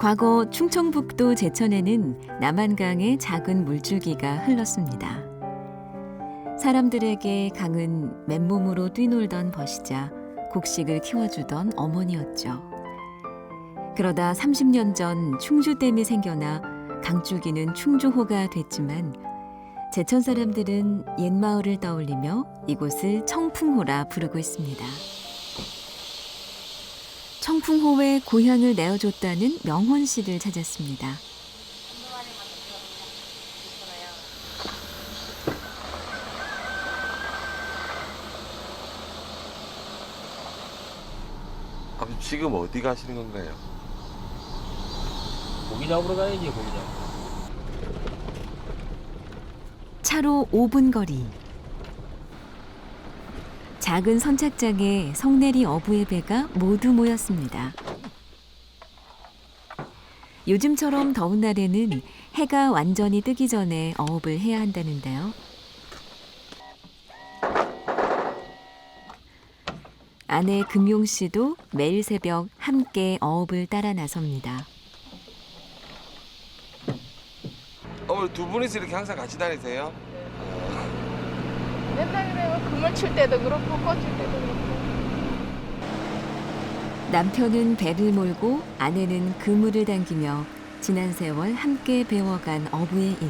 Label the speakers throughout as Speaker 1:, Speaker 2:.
Speaker 1: 과거 충청북도 제천에는 남한강의 작은 물줄기가 흘렀습니다. 사람들에게 강은 맨몸으로 뛰놀던 벗이자 곡식을 키워주던 어머니였죠. 그러다 30년 전 충주댐이 생겨나 강줄기는 충주호가 됐지만 제천 사람들은 옛 마을을 떠올리며 이곳을 청풍호라 부르고 있습니다. 청풍호에 고향을 내어줬다는 명혼 씨를 찾았습니다.
Speaker 2: 아버지 지금 어디 가시는 건가요?
Speaker 3: 고기 잡으러 가야지, 고기 잡으러.
Speaker 1: 차로 5분 거리. 작은 선착장에 성내리 어부의 배가 모두 모였습니다. 요즘처럼 더운 날에는 해가 완전히 뜨기 전에 어업을 해야 한다는데요. 아내 금용 씨도 매일 새벽 함께 어업을 따라 나섭니다.
Speaker 2: 어머니 두 분이서 이렇게 항상 같이 다니세요?
Speaker 4: 맨날 그래요. 그물 칠 때도 그렇고 꽂을 때도 그렇고.
Speaker 1: 남편은 배를 몰고 아내는 그물을 당기며 지난 세월 함께 배워간 어부의 일.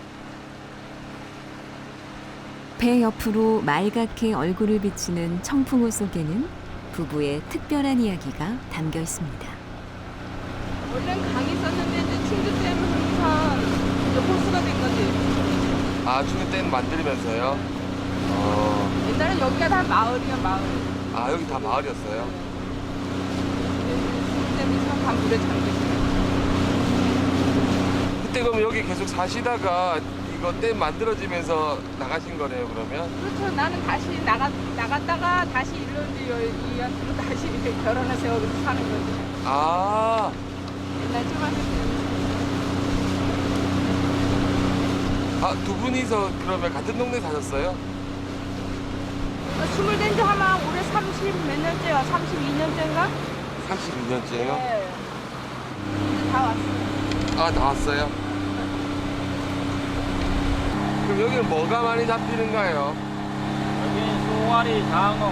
Speaker 1: 배 옆으로 말갛게 얼굴을 비치는 청풍호 속에는 부부의 특별한 이야기가 담겨 있습니다.
Speaker 4: 원래는 강이 있었는데 이제 충주댐 항상 이제 호수가 된 거지.
Speaker 2: 아 충주댐 만들면서요?
Speaker 4: 옛날엔 여기가 다 마을이야, 마을.
Speaker 2: 아 여기 다 마을이었어요?
Speaker 4: 충주댐이 다 물에 잠겼어요.
Speaker 2: 그때 그럼 여기 계속 사시다가 이거 댐 만들어지면서 나가신 거네요 그러면?
Speaker 4: 그렇죠. 나는 다시 나갔다가 다시 일로 이제 이한테로 다시 이렇게 결혼해서 여기서 사는 거지.
Speaker 2: 아
Speaker 4: 옛날 초반에
Speaker 2: 두 분이서 그러면 같은 동네 사셨어요?
Speaker 4: 스물 된지 아마 올해 30 몇 년째야. 32년째인가?
Speaker 2: 32년째요?
Speaker 4: 네. 이제 다 왔어요.
Speaker 2: 아 나왔어요? 그럼 여기는 뭐가 많이 잡히는가요?
Speaker 3: 여기 쏘가리, 장어.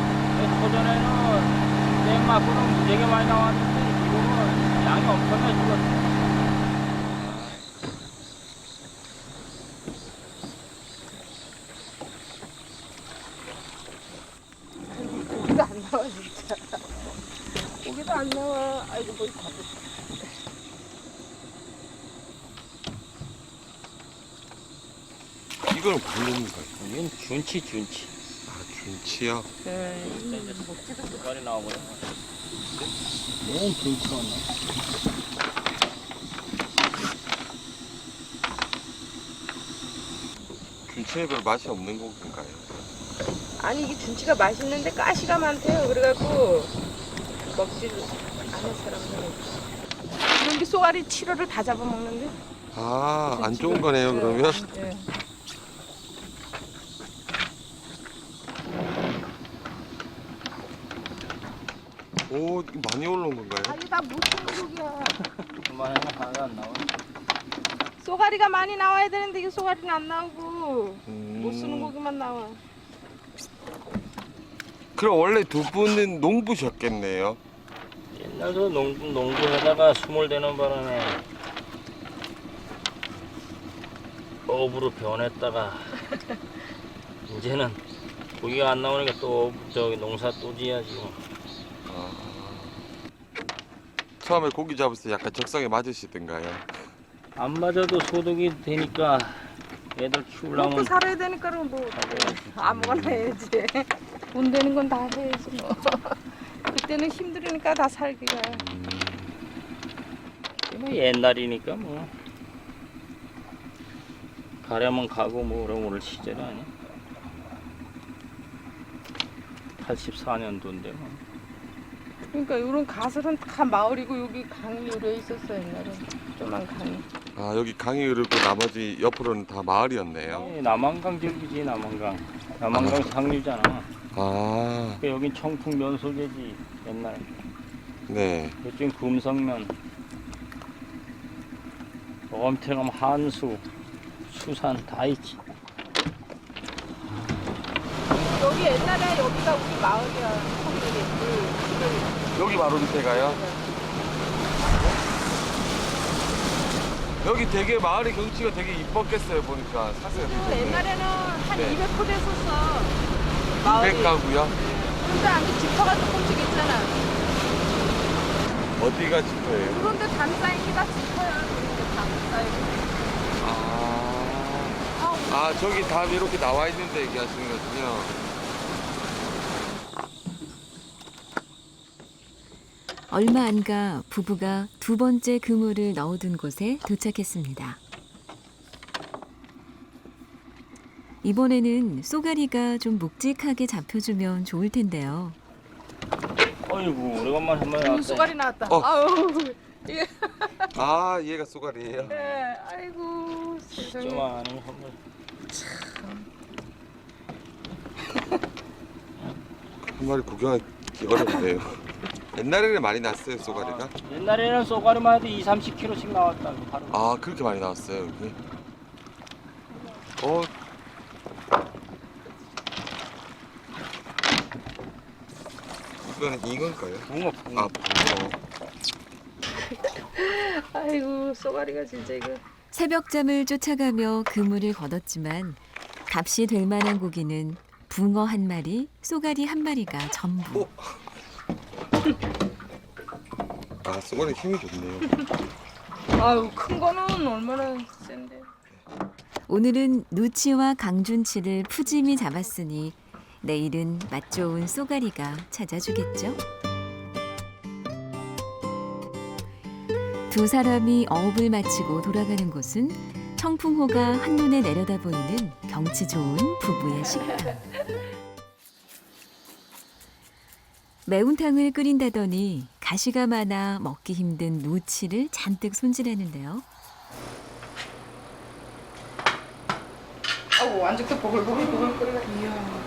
Speaker 3: 초전에는 땡마구는 되게 많이 나왔는데 지금은 양이 엄청나게 줄었어요.
Speaker 4: 고기도 안 나와 진짜. 고기도 안 나와. 아이고 뭐 다
Speaker 2: 이걸 모르는 거예요?
Speaker 3: 이건 준치.
Speaker 2: 아 준치요?
Speaker 4: 네.
Speaker 3: 쏘가리 나오거든. 너무 준치가 안 나와.
Speaker 2: 준치는 별 맛이 없는 고기인가요?
Speaker 4: 아니 이게 준치가 맛있는데 가시가 많대요. 그래갖고 먹지를 않은 사람들은. 이런 게 쏘가리 7호를 다 잡아먹는데.
Speaker 2: 아 안 좋은 거네요 그러면?
Speaker 4: 네.
Speaker 2: 오 이거 많이 올라온 건가요?
Speaker 4: 아니 다 무슨 고기야.
Speaker 3: 그만해, 하나도 안 나와.
Speaker 4: 쏘가리가 많이 나와야 되는데 이게 쏘가리는 안 나오고 못 쓰는 고기만 나와.
Speaker 2: 그럼 원래 두 분은 농부셨겠네요?
Speaker 3: 옛날에 농구하다가 스물되는 바람에 어부로 변했다가 이제는 고기가 안 나오니까 또 저기 농사 또 지어야지.
Speaker 2: 처음에 고기 잡을 때 약간 적성에 맞으시던가요?
Speaker 3: 안 맞아도 소득이 되니까 애들 키우려면
Speaker 4: 먹고 살아야 되니까 뭐 아무거나 해야지. 돈 되는 건 다 해야지 뭐. 그때는 힘들으니까 다 살기가.
Speaker 3: 뭐 옛날이니까 뭐 가려면 가고 뭐 그럼 오늘 시절 아니야? 84년도인데 뭐.
Speaker 4: 그러니까 이런 가설은 다 마을이고 여기 강이 요래 있었어 옛날에. 조만 강이.
Speaker 2: 아 여기 강이 흐르고 나머지 옆으로는 다 마을이었네요.
Speaker 3: 남한강 절기지 남한강. 남한강 상류잖아.
Speaker 2: 아
Speaker 3: 그러니까 여긴 청풍 면소재지 옛날.
Speaker 2: 네.
Speaker 3: 이쪽은 금성면. 엄태 가면 한수, 수산 다 있지.
Speaker 4: 여기 옛날에 여기가 우리 마을이야.
Speaker 2: 여기 바로 밑에가요? 여기 되게 마을의 경치가 되게 이뻤겠어요 보니까 사세요.
Speaker 4: 옛날에는 한
Speaker 2: 네.
Speaker 4: 200호 됐었어. 마을이.
Speaker 2: 200가구요?
Speaker 4: 그런데 안에 지퍼가 조금씩 있잖아.
Speaker 2: 어디가 집터예요?
Speaker 4: 그런데 담 쌓이기가 지퍼야. 그런데 담 쌓이기.
Speaker 2: 아 저기 답 이렇게 나와 있는데 얘기하시는 거군요.
Speaker 1: 얼마 안 가 부부가 두 번째 그물을 넣어둔 곳에 도착했습니다. 이번에는 쏘가리가 좀 묵직하게 잡혀주면 좋을 텐데요.
Speaker 3: 어이구, 오래간만에 한 마리 나왔다.
Speaker 4: 쏘가리 나왔다.
Speaker 2: 어.
Speaker 4: 아우. 예.
Speaker 2: 아 얘가 쏘가리예요?
Speaker 4: 네. 아이고 세상에.
Speaker 3: 조그마한 선물.
Speaker 2: 한 마리 구경하기 어렵네요. 옛날에는 많이 났어요 쏘가리가?
Speaker 3: 옛날에는 쏘가리만 해도 2, 30kg씩 나왔다. 바로.
Speaker 2: 아 그렇게 많이 나왔어요 여기? 이거는 이건가요?
Speaker 3: 붕어, 붕어.
Speaker 2: 아 붕어.
Speaker 4: 아이고 쏘가리가 진짜 이거.
Speaker 1: 새벽잠을 쫓아가며 그물을 걷었지만 값이 될 만한 고기는 붕어 한 마리, 쏘가리 한 마리가 전부.
Speaker 2: 아 쏘가리 힘이 좋네요.
Speaker 4: 아유 큰 거는 얼마나 센데.
Speaker 1: 오늘은 누치와 강준치를 푸짐히 잡았으니 내일은 맛 좋은 쏘가리가 찾아주겠죠. 두 사람이 어업을 마치고 돌아가는 곳은 청풍호가 한눈에 내려다 보이는 경치 좋은 부부의 식당. 매운탕을 끓인다더니 가시가 많아 먹기 힘든 누치를 잔뜩 손질하는데요.
Speaker 4: 아우 완전히 보글보글 끓이가. 이야.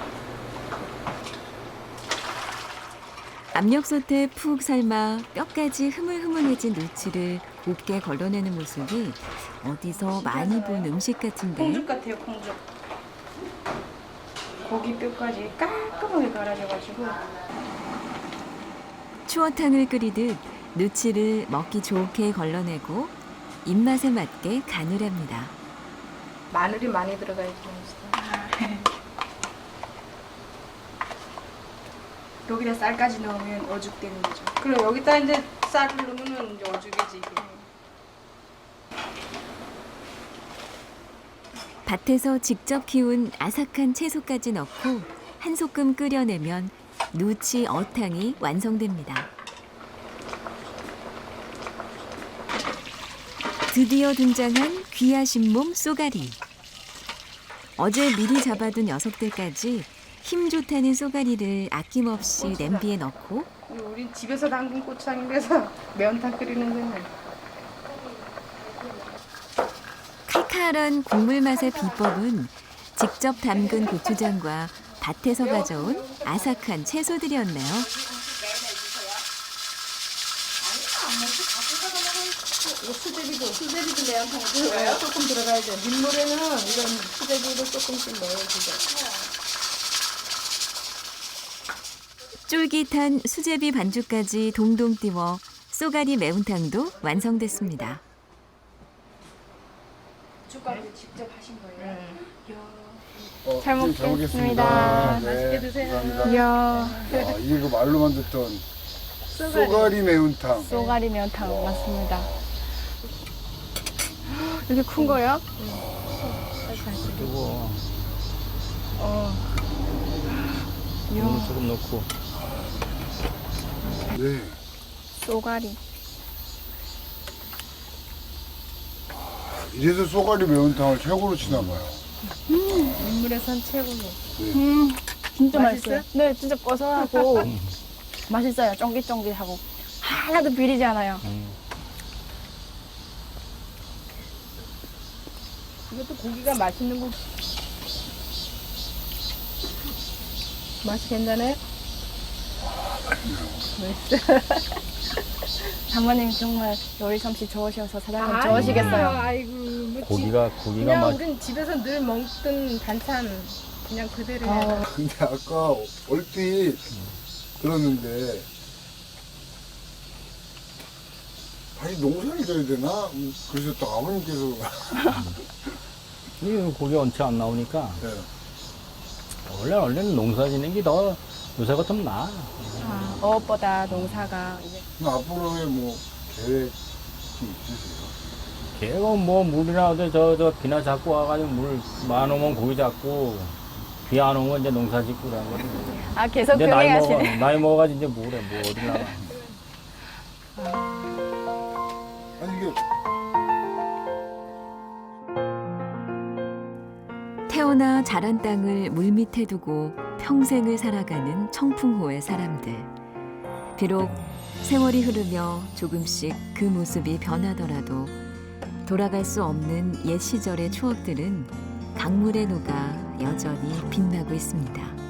Speaker 1: 압력솥에 푹 삶아 뼈까지 흐물흐물해진 누치를 곱게 걸러내는 모습이 어디서 많이 본 음식 같은데
Speaker 4: 콩죽 같아요 콩죽. 고기 뼈까지 깔끔하게 갈아져가지고.
Speaker 1: 추어탕을 끓이듯 누치를 먹기 좋게 걸러내고 입맛에 맞게 간을 합니다.
Speaker 4: 마늘이 많이 들어가야지 맛있어. 여기다 쌀까지 넣으면 어죽되는 거죠. 그럼 여기다 이제 쌀을 넣으면 이제 어죽이지 이게.
Speaker 1: 밭에서 직접 키운 아삭한 채소까지 넣고 한 소끔 끓여내면 누치 어탕이 완성됩니다. 드디어 등장한 귀하신 몸 쏘가리. 어제 미리 잡아둔 녀석들까지 힘 좋다는 쏘가리를 아낌없이 냄비에 넣고
Speaker 4: 우린 집에서 담근 고추장인데서 매운탕 끓이는 거는.
Speaker 1: 칼칼한 국물 맛의 비법은 직접 담근 고추장과 밭에서 가져온 아삭한 채소들이었네요.
Speaker 4: 수제비도 매운탕 들어가요? 조금 들어가야 돼. 민물에는 이런 수제비도 조금씩 넣어주죠.
Speaker 1: 쫄깃한 수제비 반죽까지 동동 띄워 쏘가리 매운탕도 완성됐습니다.
Speaker 4: 고춧가루 직접 하신 거예요?
Speaker 5: 잘 먹겠습니다.
Speaker 4: 맛있게 드세요.
Speaker 5: 감사합니다.
Speaker 6: 이야,
Speaker 5: 이게 그 말로만 듣던 쏘가리 매운탕.
Speaker 6: 쏘가리 매운탕 맞습니다. 이렇게 큰 거요?
Speaker 3: 뜨거워. 이거 조금 넣고.
Speaker 5: 네.
Speaker 6: 쏘가리.
Speaker 5: 이래서 쏘가리 매운탕을 최고로 치나 봐요.
Speaker 4: 민물에선 최고로.
Speaker 6: 진짜
Speaker 4: 맛있어요?
Speaker 6: 맛있어요. 네, 진짜 고소하고 맛있어요. 쫑깃쫑깃하고 하나도 비리지 않아요.
Speaker 4: 이것도 고기가 맛있는 거. 맛이 괜찮아요? 맛있어.
Speaker 6: 장모님 정말 요리 솜씨 좋으셔서 사장님 좋으시겠어요.
Speaker 4: 아이고, 뭐
Speaker 3: 고기가
Speaker 4: 그냥
Speaker 3: 맛.
Speaker 4: 우린 집에서 늘 먹던 반찬 그냥 그대로 해.
Speaker 5: 근데 아까 얼핏 들었는데 아니 농사를 져야 되나? 그래서 또 아버님께서
Speaker 3: 이 고기 원체 안 나오니까
Speaker 5: 네.
Speaker 3: 원래는 농사 짓는 게 더 요새 같으면 나아.
Speaker 6: 어업보다 농사가 이제
Speaker 5: 앞으로의 뭐 계획이 있으세요?
Speaker 3: 걔가 뭐 물이나 어디 저 비나 잡고 와가지고 물 많으면 고기 잡고 비 안 오면 이제 농사 짓고 그러는 거지.
Speaker 6: 계속
Speaker 3: 이제
Speaker 6: 병행하시네.
Speaker 3: 나이 먹어가지고 이제 뭐래 뭐 어디 나가.
Speaker 5: 아니 이게
Speaker 1: 태어나 자란 땅을 물밑에 두고 평생을 살아가는 청풍호의 사람들. 비록 세월이 흐르며 조금씩 그 모습이 변하더라도 돌아갈 수 없는 옛 시절의 추억들은 강물에 녹아 여전히 빛나고 있습니다.